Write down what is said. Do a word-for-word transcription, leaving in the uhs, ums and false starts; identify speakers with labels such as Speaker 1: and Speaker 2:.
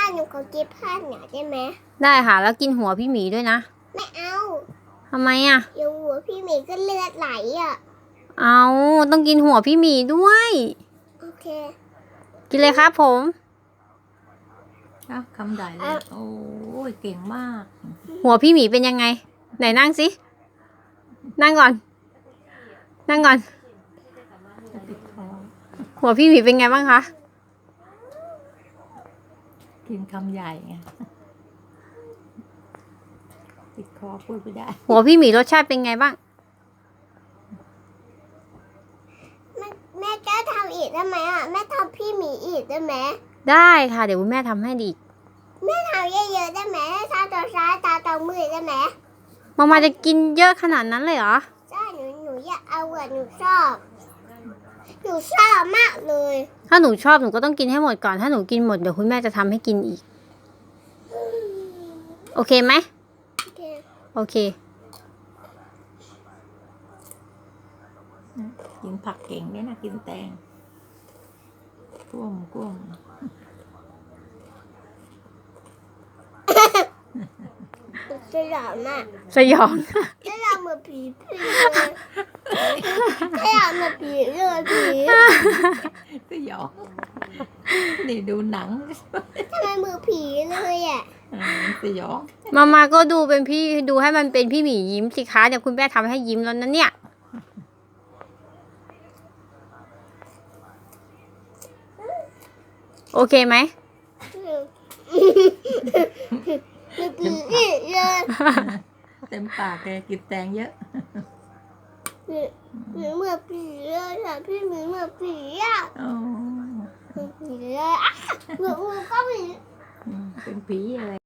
Speaker 1: หนูขอกินผ้าหน่อยได้ไหม
Speaker 2: ได้ค่ะแล้วกินหัวพี่หมีด้วยนะ
Speaker 1: ไม่เอา
Speaker 2: ทำไมอ่ะ
Speaker 1: เดี๋ยวหัวพี่หมีก็เลือดไหลอ่ะ
Speaker 2: เอาต้องกินหัวพี่หมีด้วย
Speaker 1: โอเค
Speaker 2: กินเลยครับผม
Speaker 3: อ่ะคำใหญ่เลยโอ้ยเก่งมาก
Speaker 2: หัวพี่หมีเป็นยังไงไหนนั่งสินั่งก่อนนั่งก่อน
Speaker 3: จะติดคอ
Speaker 2: หัวพี่หมีเป็นไงบ้างคะ
Speaker 3: กินคำใหญ่ไงติดคอพูดไม่ได้
Speaker 2: หัวพี่หมีรสชาติเป็นไงบ้าง
Speaker 1: แม่แม่จะทำอีกได้ไหมอ่ะแม่ทำพี่หมีอีกได้ไหม
Speaker 2: ได้ค่ะเดี๋ยวคุณแม่ทำให้ดี
Speaker 1: แม่ทำเยอะๆได้ไหมตาต่อซ้ายตาต่อมือได้ไหม
Speaker 2: มามาจะกินเยอะขนาดนั้นเลยเหรอ
Speaker 1: ใช่หนูหนูอยากเอาอ่ะหนูชอบหนูชอบมากเลย
Speaker 2: ถ้าหนูชอบหนูก็ต้องกินให้หมดก่อนถ้าหนูกินหมดเดี๋ยวคุณแม่จะทำให้กินอีกโอเคไหม
Speaker 1: โอเค
Speaker 2: โอเค
Speaker 3: กินผักเก่งด้วยนะกินแตงกุ้มกุ้ม
Speaker 1: สยองมาก
Speaker 2: สยอง
Speaker 1: สยองเหมือนผีผีเลยสยองเหมือนผีเลยผี
Speaker 3: สยองนี่ดูหนัง
Speaker 1: ทำไมมือผีเลยอ่ะ
Speaker 3: สยอง
Speaker 2: มามาก็ดูเป็นพี่ดูให้มันเป็นพี่หมียิ้มสิคะเดี๋ยวคุณแม่ทำให้ยิ้มแล้วนะเนี่ยโอเคไหม
Speaker 1: มือผีเลย
Speaker 3: เต็มปากเลยกินแตงเยอะ
Speaker 1: หนูเหมือนผีเลยค่ะพี่หมีเหมือนผีอ่ะเหมือนผีเลยอ่ะหนูก็ผี
Speaker 3: เป็นผีอะไร